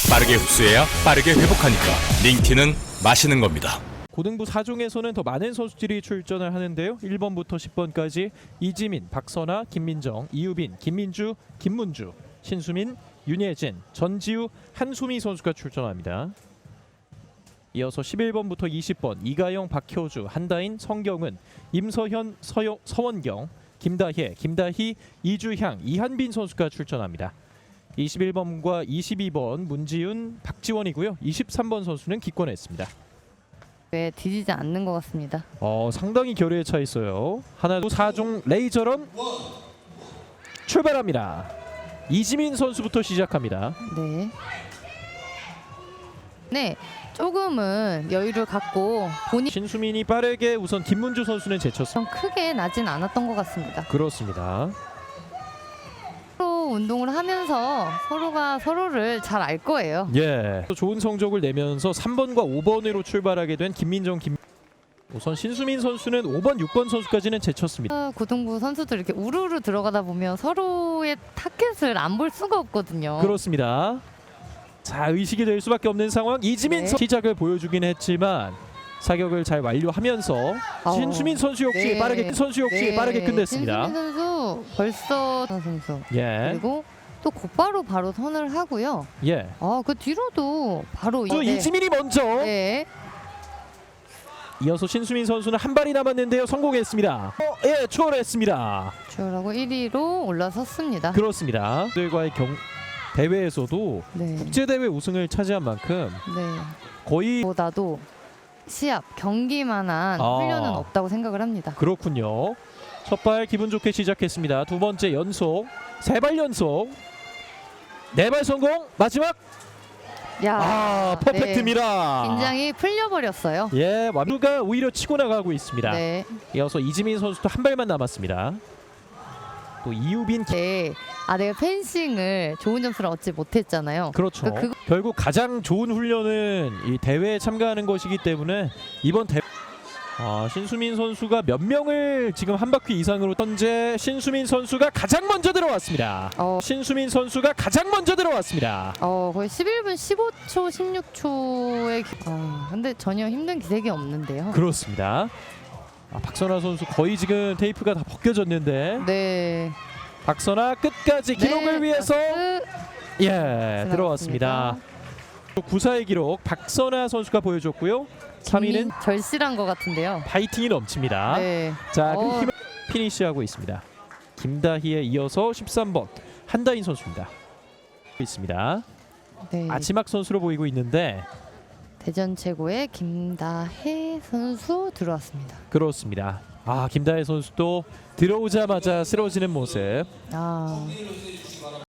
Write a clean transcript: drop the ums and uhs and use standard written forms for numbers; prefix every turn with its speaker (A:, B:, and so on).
A: 빠르게 흡수해야 빠르게 회복하니까 링티는 마시는 겁니다.
B: 고등부 4종에서는 더 많은 선수들이 출전을 하는데요. 1번부터 10번까지 이지민, 박선아, 김민정, 이유빈, 김민주, 김문주, 신수민, 윤예진, 전지우, 한수미 선수가 출전합니다. 이어서 11번부터 20번 이가영, 박효주, 한다인, 성경은, 임서현, 서원경, 김다혜, 김다희, 이주향, 이한빈 선수가 출전합니다. 21번과 22번 문지훈, 박지원이고요. 23번 선수는 기권했습니다.
C: 왜 뒤지지 않는 것 같습니다.
B: 상당히 결의에 차 있어요. 하나, 둘, 4종 레이저런 출발합니다. 이지민 선수부터 시작합니다.
C: 네. 네, 조금은 여유를 갖고 본인
B: 신수민이 빠르게 우선 김문주 선수는 제쳤습니다.
C: 좀 크게 나진 않았던 것 같습니다.
B: 그렇습니다.
C: 서로 운동을 하면서 서로가 서로를 잘 알 거예요.
B: 예. 좋은 성적을 내면서 3번과 5번으로 출발하게 된 김민정, 우선 신수민 선수는 5번, 6번 선수까지는 제쳤습니다.
C: 고등부 선수들 이렇게 우르르 들어가다 보면 서로의 타켓을 안 볼 수가 없거든요.
B: 그렇습니다. 자, 의식이 될 수밖에 없는 상황. 이지민
C: 네.
B: 시작을 보여주긴 했지만 사격을 잘 완료하면서 신수민 선수 역시
C: 네.
B: 빠르게 빠르게 끝냈습니다.
C: 신수민 선수 벌써 선수
B: 예.
C: 그리고 또 곧바로 바로 선을 하고요.
B: 예.
C: 그 뒤로도 바로
B: 또 이지민이 먼저
C: 네.
B: 이어서 신수민 선수는 한 발이 남았는데요. 성공했습니다. 예, 추월했습니다.
C: 추월하고 1위로 올라섰습니다.
B: 그렇습니다. 들과의 대회에서도
C: 네.
B: 국제대회 우승을 차지한 만큼
C: 네.
B: 거의
C: 보다도 시합 경기만한 훈련은 없다고 생각을 합니다.
B: 그렇군요. 첫 발 기분 좋게 시작했습니다. 두 번째 연속, 세 발 연속, 네 발 성공. 마지막 퍼펙트입니다.
C: 네. 긴장이 풀려버렸어요.
B: 예, 완두가 오히려 치고 나가고 있습니다.
C: 네.
B: 이어서 이지민 선수도 한 발만 남았습니다. 또 이유빈
C: 네. 내가 펜싱을 좋은 점수를 얻지 못했잖아요.
B: 그렇죠. 결국 가장 좋은 훈련은 이 대회에 참가하는 것이기 때문에 이번 대회 신수민 선수가 몇 명을 지금 한 바퀴 이상으로 현재 신수민 선수가 가장 먼저 들어왔습니다. 신수민 선수가 가장 먼저 들어왔습니다.
C: 거의 11분 15초, 16초의 근데 전혀 힘든 기색이 없는데요.
B: 그렇습니다. 박선아 선수 거의 지금 테이프가 다 벗겨졌는데
C: 네.
B: 박선아 끝까지 기록을 위해서 들어왔습니다. 9사의 기록 박선아 선수가 보여줬고요. 3위는
C: 절실한 것 같은데요.
B: 파이팅이 넘칩니다.
C: 네.
B: 자, 그 힘을 피니시하고 있습니다. 김다희에 이어서 13번 한다인 선수입니다. 있습니다.
C: 네.
B: 마지막 선수로 보이고 있는데
C: 대전 최고의 김다혜 선수 들어왔습니다.
B: 그렇습니다. 김다혜 선수도 들어오자마자 쓰러지는 모습.